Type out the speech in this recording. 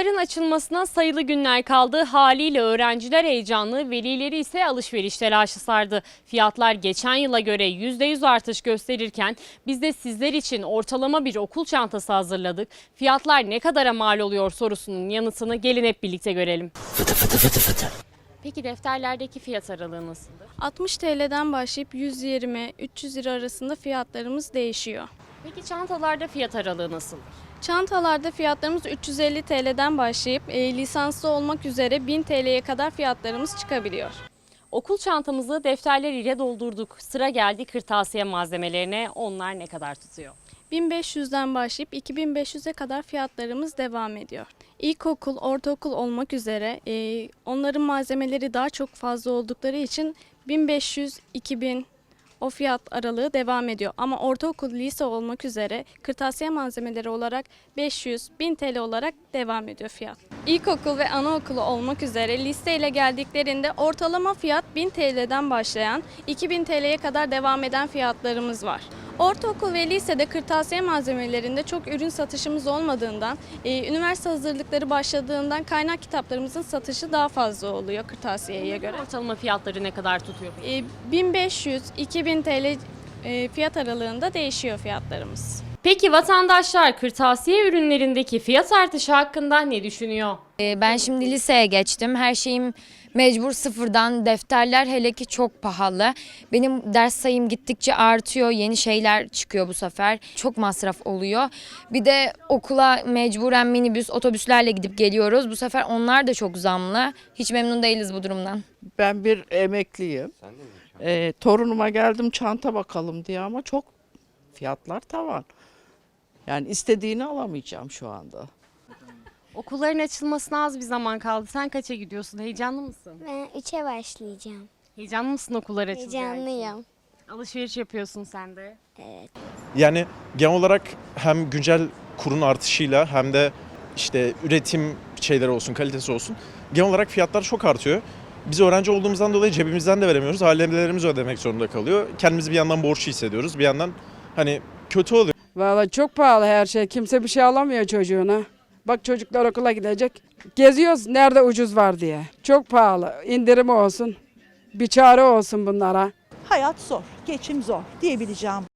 Okulların açılmasına sayılı günler kaldı. Haliyle öğrenciler heyecanlı, velileri ise alışveriş telaşı sardı. Fiyatlar geçen yıla göre %100 artış gösterirken biz de sizler için ortalama bir okul çantası hazırladık. Fiyatlar ne kadara mal oluyor sorusunun yanıtını gelin hep birlikte görelim. Fıtı fıtı fıtı fıtı. Peki defterlerdeki fiyat aralığı nasıldır? 60 TL'den başlayıp 120-300 lira arasında fiyatlarımız değişiyor. Peki çantalarda fiyat aralığı nasıl? Çantalarda fiyatlarımız 350 TL'den başlayıp lisanslı olmak üzere 1000 TL'ye kadar fiyatlarımız çıkabiliyor. Okul çantamızı defterler ile doldurduk. Sıra geldi kırtasiye malzemelerine. Onlar ne kadar tutuyor? 1500'den başlayıp 2500'e kadar fiyatlarımız devam ediyor. İlkokul, ortaokul olmak üzere onların malzemeleri daha çok fazla oldukları için 1500-2000 o fiyat aralığı devam ediyor. Ama ortaokul, lise olmak üzere kırtasiye malzemeleri olarak 500-1000 TL olarak devam ediyor fiyat. İlkokul ve anaokulu olmak üzere listeyle geldiklerinde ortalama fiyat 1000 TL'den başlayan 2000 TL'ye kadar devam eden fiyatlarımız var. Ortaokul ve lisede kırtasiye malzemelerinde çok ürün satışımız olmadığından, üniversite hazırlıkları başladığından kaynak kitaplarımızın satışı daha fazla oluyor kırtasiyeye göre. Ortalama fiyatları ne kadar tutuyor? 1500-2000 TL fiyat aralığında değişiyor fiyatlarımız. Peki vatandaşlar kırtasiye ürünlerindeki fiyat artışı hakkında ne düşünüyor? Ben şimdi liseye geçtim. Her şeyim mecbur sıfırdan. Defterler hele ki çok pahalı. Benim ders sayım gittikçe artıyor. Yeni şeyler çıkıyor bu sefer. Çok masraf oluyor. Bir de okula mecburen minibüs, otobüslerle gidip geliyoruz. Bu sefer onlar da çok zamlı. Hiç memnun değiliz bu durumdan. Ben bir emekliyim. Torunuma geldim çanta bakalım diye ama çok fiyatlar tavan. Yani istediğini alamayacağım şu anda. Okulların açılmasına az bir zaman kaldı. Sen kaça gidiyorsun? Heyecanlı mısın? Ben 3'e başlayacağım. Heyecanlı mısın okullar açılacağı için? Heyecanlıyım. Alışveriş yapıyorsun sen de. Evet. Yani genel olarak hem güncel kurun artışıyla hem de işte üretim şeyleri olsun, kalitesi olsun. Genel olarak fiyatlar çok artıyor. Biz öğrenci olduğumuzdan dolayı cebimizden de veremiyoruz. Ailelerimiz ödemek zorunda kalıyor. Kendimizi bir yandan borçlu hissediyoruz. Bir yandan hani kötü oluyor. Vallahi çok pahalı her şey. Kimse bir şey alamıyor çocuğuna. Bak çocuklar okula gidecek. Geziyoruz nerede ucuz var diye. Çok pahalı. İndirim olsun. Bir çare olsun bunlara. Hayat zor, geçim zor diyebileceğim.